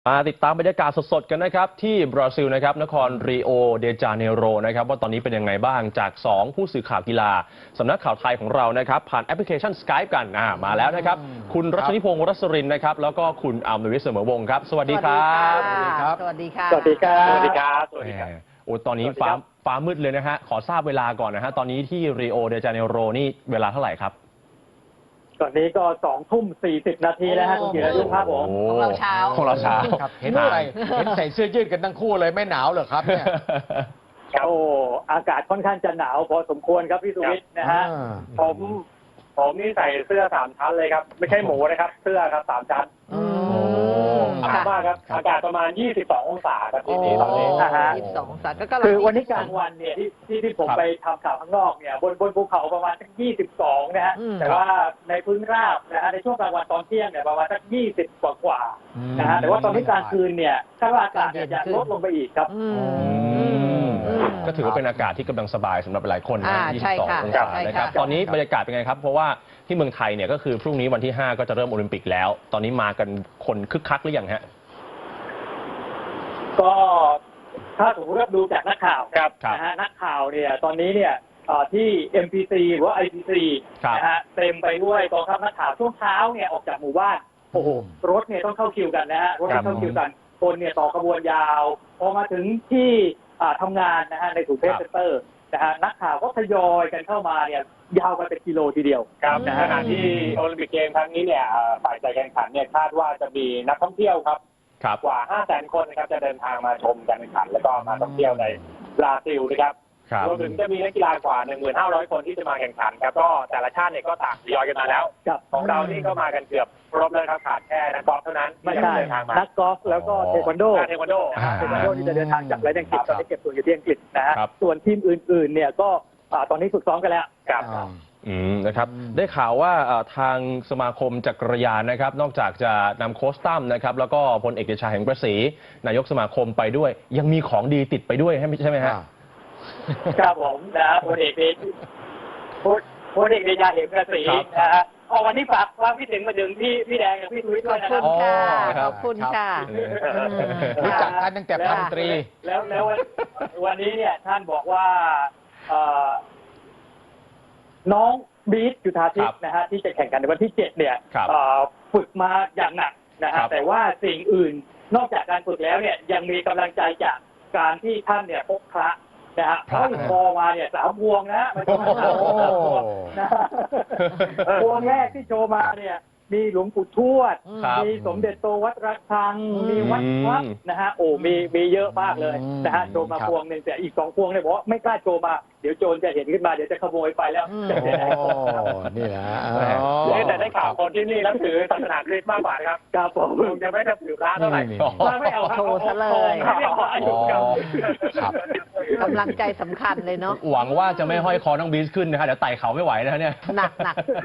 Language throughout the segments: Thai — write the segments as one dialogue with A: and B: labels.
A: มาติดตามบรรยากาศสดๆกันนะครับที่บราซิลนะครับนครริโอเดจาเนโรนะครับว่าตอนนี้เป็นยังไงบ้างจาก 2 ผู้สื่อข่าวกีฬาสำนักข่าวไทยของเรานะครับผ่านแอปพลิเคชัน Skype กันมาแล้วนะครับคุณรัชนิพงศ์รัศรินนะครับแล้วก็คุณอมรวิทย์เสมอวงศ์ครับสวัสดีครับ
B: สวัสดีครับสวัสดีค่ะ
C: สวัสดีครับ
B: สวัสดี
C: ครับ
A: สวัสดีครับโอ้ตอนนี้ฟ้ามืดเลยนะฮะขอทราบเวลาก่อนนะฮะตอนนี้ที่ริโอเดจาเนโรนี่เวลาเท่าไหร่ครับ
C: ตอนนี้ก็2:40 นาทีแล้วฮะคุณเกียรติครับผม
B: ของเราเช้า
A: ของเราเช้า
D: ครับเห็นใส่เสื้อยืดกันทั้งคู่เลยไม่หนาวเหรอครับเนี่ย
C: โอ้อากาศค่อนข้างจะหนาวพอสมควรครับพี่สุวิทย์นะฮะผมนี่ใส่เสื้อ3 ชั้นเลยครับไม่ใช่หมูนะครับเสื้อครับ3 ชั้นมากครับอากาศประมาณ22 องศาครับที่นี่ตอนนี้นะฮะ
B: 22 องศาก็กำลัง
C: คือวันนี้กลางวันเนี่ยที่ผมไปทำข่าวข้างนอกเนี่ยบนภูเขาประมาณสัก22นะฮะแต่ว่าในพื้นราบนะฮะในช่วงกลางวันตอนเที่ยงเนี่ยประมาณสัก20 กว่านะฮะแต่ว่าตอนนี้กลางคืนเนี่ยคาดว่าอากาศจะลดลงไปอีกครับ
A: ก็ถือว่าเป็นอากาศที่กำลังสบายสำหรับหลายคนนะ22 องศานะครับตอนนี้บรรยากาศเป็นไงครับเพราะว่าที่เมืองไทยเนี่ยก็คือพรุ่งนี้วันที่5ก็จะเริ่มโอลิมปิกแล้วตอนนี้มากันคนคึกคักหรือยังฮะ
C: ก็ถ้าสมมติว่าดูจากนักข่าวนะฮะนักข่าวเนี่ยตอนนี้เนี่ยที่ MPC หรือว่า IPC นะฮะเต็มไปด้วยกองทัพนักข่าวช่วงเช้าเนี่ยออกจากหมู่บ้านโอ้โหรถเนี่ยต้องเข้าคิวกันนะฮะรถต้องเข้าคิวกันคนเนี่ยต่อขบวนยาวพอมาถึงที่ทำงานนะฮะในศูนย์เพชรเซ็นเตอร์นะฮะนักข่าวก็ทยอยกันเข้ามาเนี่ยยาวกันเป็นกิโลทีเดียว
E: ครับในขณะที่โอลิมปิกเกมครั้งนี้เนี่ยฝ่ายจัดการแข่งขันเนี่ยคาดว่าจะมีนักท่องเที่ยวครับกว่า 500,000 คนนะครับจะเดินทางมาชมการแข่งขันแล้วก็มาท่องเที่ยวในบราซิลนะครับรวมถึงจะมีนักกีฬากว่า 15,000 คนที่จะมาแข่งขันครับก็แต่ละชาติเนี่ยก็ต่างทยอยกันมาแล้วของเรานี่ก็มากันเกือบครบเลยครับขาดแค่นักกอล์ฟเท่านั้น
C: ไม่ใช่นักกอล์ฟแล้วก็เทควันโดที่จะเดินทางจากประเทศอังกฤษตอนนี้เก็บตัวอยู่ที่อังกฤษนะฮะส่วนทีมอื่นๆเนี่ยก็ตอนนี้ฝึกซ้อมกันแล้ว
A: นะครับได้ข่าวว่าทางสมาคมจักรยานนะครับนอกจากจะนำโค้ชตั้มนะครับแล้วก็พลเอกเดชาแห่งประศรีนายกสมาคมไปด้วยยังมีของดีติดไปด้วยใช่ไหมฮะ
C: ครับผมนะพลเอกเดชาแห่งประศรีนะฮะวันนี้ฝากความคิดถึงมาถึงพี่แดงกับพี่ทุ้ยด้วยนะครับ
B: ขอบคุณค่ะ
D: รู้จักกันตั้งแต่พันตรี
C: แล้ววันนี้เนี่ยท่านบอกว่าน้องบีทจุฑาทิพย์นะฮะที่จะแข่งขันในวันที่7เนี่ยฝึกมาอย่างหนักนะฮะแต่ว่าสิ่งอื่นนอกจากการฝึกแล้วเนี่ยยังมีกำลังใจจากการที่ท่านเนี่ยพบพระนะฮะห้อยคอมาเนี่ย3 พวงนะมันต้อง3 พวงนะพวงแรกที่โชว์มาเนี่ยมีหลวงปู่ทวดมีสมเด็จโตวัดระฆังมีวัดพระนะฮะโอ้มีเยอะมากเลยนะฮะโชว์มาพวงนึงแต่อีก2 พวงเนี่ยบอกว่าไม่กล้าโชว์มาเดี๋ยวโจรจะเห็นขึ้นมาเดี๋ยวจะขโมยไปแล้ว
D: นี่แหละ
E: แต่ได้ข่าวคนที่นี่นับถือศาสนาคริสต์มากกว่าครับ
C: ครับผม
E: จะไม่นับถือพระเท่าไหร่
C: ไม่เอา
B: โชว์ซะเลยกำลังใจสำคัญเลยเนาะ
A: หวังว่าจะไม่ห้อยคอน้องบีสขึ้นนะฮะเดี๋ยวไต่เขาไม่ไหวนะเนี่ย
B: หนัก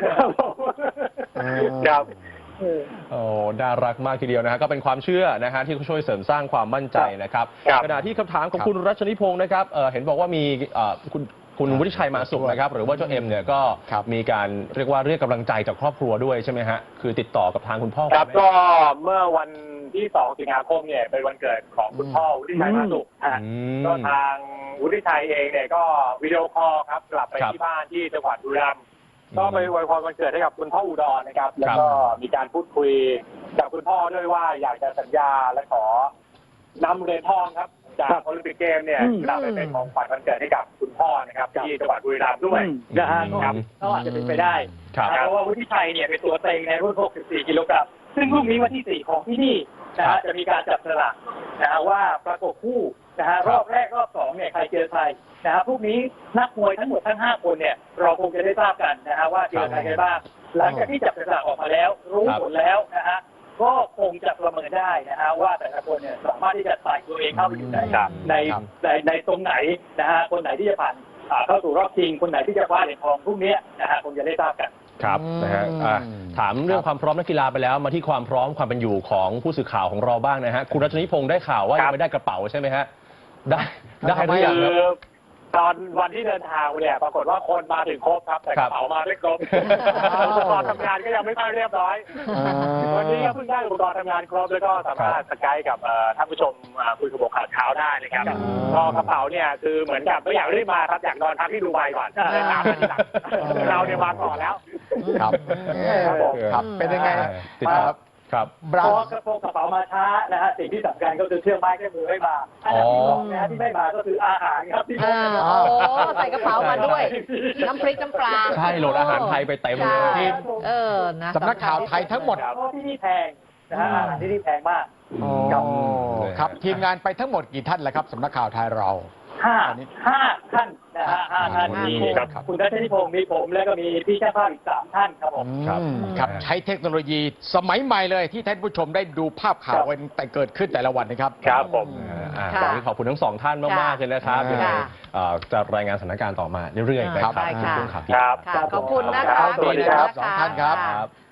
E: ครับ
A: โอ้น่ารักมากทีเดียวนะฮะก็เป็นความเชื่อนะฮะที่เขาช่วยเสริมสร้างความมั่นใจนะครับขณะที่คำถามของคุณรัชนิพงศ์นะครับเห็นบอกว่ามีคุณวุฒิชัยมาสุขนะครับหรือว่าเจ้าเอ็มเนี่ยก็มีการเรียกว่าเรียกกำลังใจจากครอบครัวด้วยใช่ไหมฮะคือติดต่อกับทางคุณพ่อ
E: ครับก็เมื่อวันที่2 สิงหาคมเนี่ยเป็นวันเกิดของคุณพ่อวุฒิชัยมาสุขก็ทางวุฒิชัยเองเนี่ยก็วิดีโอคอลครับกลับไปที่บ้านที่จังหวัดบุรีรัมย์ก็ไปอวยพรวันเกิดให้กับคุณพ่ออุดรนะครับแล้วก็มีการพูดคุยกับคุณพ่อด้วยว่าอยากจะสัญญาและขอนำเหรียญทองครับจากโอลิมปิกเกมเนี่ยกลับไปเป็นของขวัญวันเกิดให้กับคุณพ่อนะครับที่จังหวัดบุรีรัมย์ด้วย
C: นะฮะก็อาจจะเป็นไปได้เพราะว่าวุฒิชัยเนี่ยเป็นตัวเต็งในรุ่น64 กิโลกรัมซึ่งพรุ่งนี้วันที่4ของที่นี่นะฮะจะมีการจับสลากนะฮะว่าประกบคู่นะฮะรอบแรกรอบ2เนี่ยใครเจอใครนะฮะพรุ่งนี้นักมวยทั้งหมดทั้ง5 คนเนี่ยเราคงจะได้ทราบกันนะฮะว่าเจอใครกันบ้างหลังจากที่จับสลากออกมาแล้วรู้ผลแล้วนะฮะก็คงจะประเมินได้นะฮะว่าแต่ละคนเนี่ยสามารถที่จะใส่ตัวเองเข้าไปอยู่ในตรงไหนนะฮะคนไหนที่จะผ่านเข้าสู่รอบชิงคนไหนที่จะคว้าเหรียญทองพรุ่งนี้นะฮะคงจะได้ทราบกัน
A: ครับนะฮะถามเรื่องความพร้อมนักกีฬาไปแล้วมาที่ความพร้อมความเป็นอยู่ของผู้สื่อข่าวของเราบ้างนะฮะคุณรัชนิพงศ์ได้ข่าวว่ายังไม่ได้กระเป๋าใช่ไหมฮะได้หรือยังครับ
E: ตอนวันที่เดินทางเนี่ยปรากฏว่าคนมาถึงครบครับแต่กระเป๋ามาไม่ครบอุปกรณ์ทำงานก็ยังไม่ค่อยเรียบร้อยวันนี้ก็เพิ่งได้อุปกรณ์ทำงานครบแล้วก็สามารถสกายกับท่านผู้ชมคุยกับบอกข่าวเช้าได้นะครับก็กระเป๋าเนี่ยคือเหมือนกับไม่อยากรีบมาครับอยากนอนพักที่ดูไบก่อนเดินตามมาทีหลังเราเนี่ยมาก่อนแล้ว
D: ครับ
E: ครับผม
D: ครับเป็นยังไง
A: ติดครับครับ
D: บรา
C: พอกระโปรงกระเป๋ามาช้านะฮะสิ่งที่สำคัญก็คือเครื่องไม้เครื่องมือไม่มาอันดับที่สองนะฮะที่ไม่มาก็คืออาหารครับที่พบกันมา
B: โอ้ใส่กระเป๋ามาด้วย น้ำพริกน้ำปลา
A: ใช่โหลดอาหารไทยไปเต็มเลย
B: ใช่นะ
D: สำนักข่าวไทยทั้งหมด
C: เพราะที่นี่แพงนะฮะอาหารที่นี่แพงมาก
D: อ๋อครับทีมงานไปทั้งหมดกี่ท่านแล้วครับสำนักข่าวไทยเรา
C: ห้า
D: อันนี้
C: ท่านนะฮะห้าท่าน
A: อืม
C: มี
A: ครับ
C: คุณรัชนิพงศ์มีผมแล้วก็มีพี่ช่างภาพอีก3 ท่านครับผม
A: ครับ
D: ครับใช้เทคโนโลยีสมัยใหม่เลยที่ท่านผู้ชมได้ดูภาพข่าวกันแต่เกิดขึ้นแต่ละวันนะครับ
E: ครับผม
B: ค่ะ
A: วันนี้ขอบคุณทั้งสองท่านมากๆเลยนะครับ
D: ค่ะ
A: ยังไงจะรายงานสถานการณ์ต่อมาเรื่อยๆนะครับ
B: ได้ค่ะ
A: ช่วงข่าว
E: ครับ
B: ค่ะขอบคุณนะคะ
D: สวัสดีครับ
B: ขอณ
D: สองท่านครับ
B: ค่ะ